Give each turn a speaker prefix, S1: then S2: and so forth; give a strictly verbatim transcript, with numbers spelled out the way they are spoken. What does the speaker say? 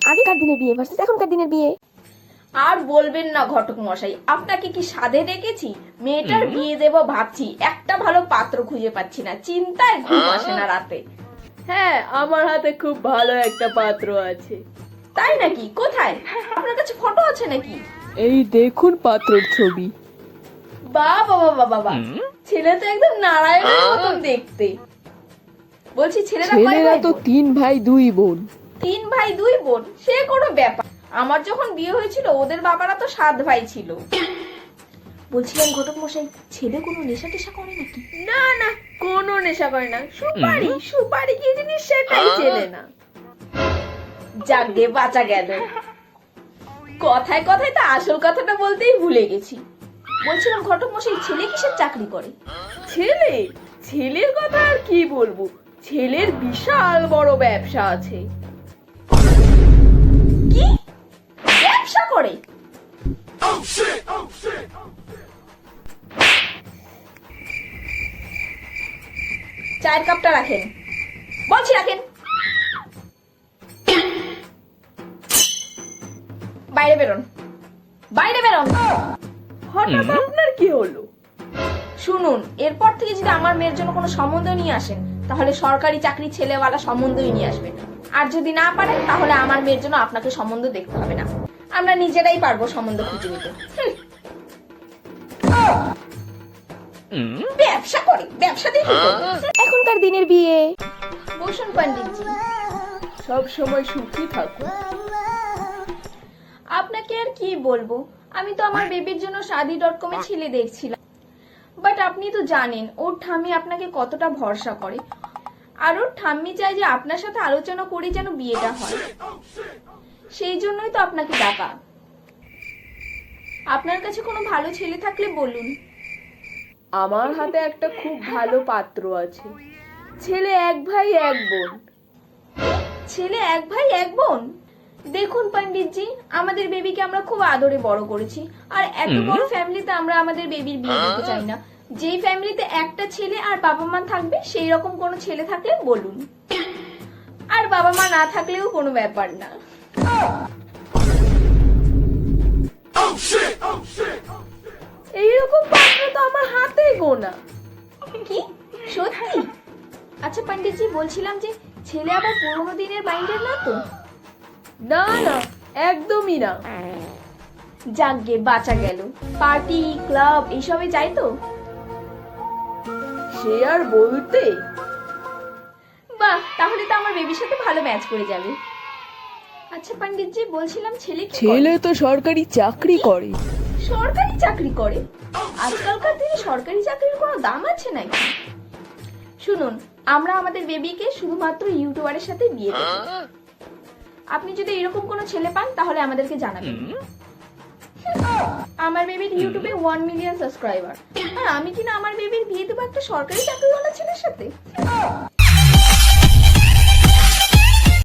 S1: আগেকার দিনের বিয়ে ভার্সেস এখনকার দিনের বিয়ে।
S2: আর বলবেন না ঘটক মশাই, আপনাকে কি সাধে ডেকেছি? মেয়েটার বিয়ে দেব ভাবছি, একটা ভালো পাত্র খুঁজে পাচ্ছি না, চিন্তায় ঘুম আসে না রাতে।
S3: হ্যাঁ, আমার হাতে খুব ভালো একটা পাত্র আছে।
S2: তাই নাকি? কোথায়? আপনার কাছে ফটো আছে নাকি?
S3: এই দেখুন পাত্রের ছবি।
S2: বাহ বাবা বাবা বাবা, ছেলে তো একদম নারায়ণের মতন দেখতে। বলছি ছেলেরা কয়
S3: ছেলেরা
S2: ভাই
S3: তো
S2: বোন?
S3: তিন ভাই দুই বোন।
S2: তিন ভাই দুই বোন, সে কোনো ব্যাপার। আমার যখন বিয়ে হয়েছিল ওদের বাবারা তো সাত ভাই ছিল। বলছিলাম ঘটক মশাই, ছেলে কোনো নেশা টেশা করে নাকি?
S3: না না, কোনো নেশা করে না। সুপারি সুপারি কি জিনিস সেটাই চেনে না।
S2: যাকে বাঁচা গেল। কথায় কথায় তো আসল কথাটা বলতেই ভুলে গেছি। বলছিলাম ঘটক মশাই, ছেলে কিসের চাকরি করে?
S3: ছেলে ছেলের কথা আর কি বলবো, ছেলের বিশাল বড় ব্যবসা আছে।
S2: কি ব্যবসা করে? চায়ের কাপটা রাখেন, বলছি রাখেন। বাইরে বেরোন, বাইরে বেরোন।
S3: হঠাৎ আপনার কি হলো?
S2: শুনুন, এরপর থেকে যদি আমার মেয়ের জন্য কোনো সম্বন্ধ নিয়ে আসেন, তাহলে সরকারি চাকরি ছেলেওয়ালা সম্বন্ধই নিয়ে আসবেন। আর যদি না পারেন, তাহলে আমার মেয়ের জন্য আপনাকে সম্বন্ধ দেখতে হবে না, আমরা নিজেরাই পারবো সম্বন্ধ খুঁজে নিতে। হুম। ব্যবসা করে, ব্যবসা দেখি।
S1: এখনকার দিনের বিয়ে।
S2: বসুন পণ্ডিতজি।
S3: সব সময় সুখী থাকুন।
S2: আপনাকে আর কি বলবো, আমি তো আমার বেবির জন্য শাদি ডট কমে ছেলে দেখছিলাম, বাট আপনি তো জানেন ওর ঠাম্মি আপনাকে কতটা ভরসা করে। আর ওর ঠাম্মি চায় যে আপনার সাথে আলোচনা করে যেন বিয়েটা হয়, সেই জন্যই তো আপনাকে ডাকা। আপনার কাছে কোনো ভালো ছেলে থাকলে বলুন।
S3: আমার হাতে একটা খুব ভালো পাত্র আছে। ছেলে এক ভাই এক বোন।
S2: ছেলে এক ভাই এক বোন? দেখুন পণ্ডিতজি, আমাদের বেবিকে আমরা খুব আদরে বড় করেছি, আর এত বড় ফ্যামিলিতে আমরা আমাদের বেবির বিয়ে দিতে চাই না। যেই ফ্যামিলিতে একটা ছেলে আর বাবা মা থাকবে, সেই রকম কোনো ছেলে থাকলে বলুন। আর বাবা মা না থাকলেও কোনো ব্যাপার না।
S3: এইরকম পাত্র তো আমার হাতে গোনা।
S2: কি সত্যি? আচ্ছা পণ্ডিতজি, বলছিলাম যে ছেলে আবার পুরোনো দিনের মাইন্ডের না তো?
S3: না না, একদমই না।
S2: যাকগে বাঁচা গেল। পার্টি ক্লাব এইসবে যাই তো?
S3: সে আর বলতে।
S2: বাহ, তাহলে তো আমার বেবির সাথে ভালো ম্যাচ করে যাবে। আচ্ছা পণ্ডিতজি, বলছিলাম ছেলে কি করে?
S3: ছেলে তো সরকারি চাকরি করে।
S2: সরকারি চাকরি করে? আজকালকার দিনে সরকারি চাকরির কোনো দাম আছে নাকি? শুনুন, আমরা আমাদের বেবিকে শুধুমাত্র ইউটিউবারের সাথে বিয়ে দেব। আপনি যদি এরকম কোনো ছেলে পান, তাহলে আমাদেরকে জানাবেন। আমার বেবির ইউটিউবে ওয়ান মিলিয়ন সাবস্ক্রাইবার, আর আমি কিনা আমার বেবির বিয়ে দেবো একটা সরকারি চাকরিওয়ালা ছেলের সাথে?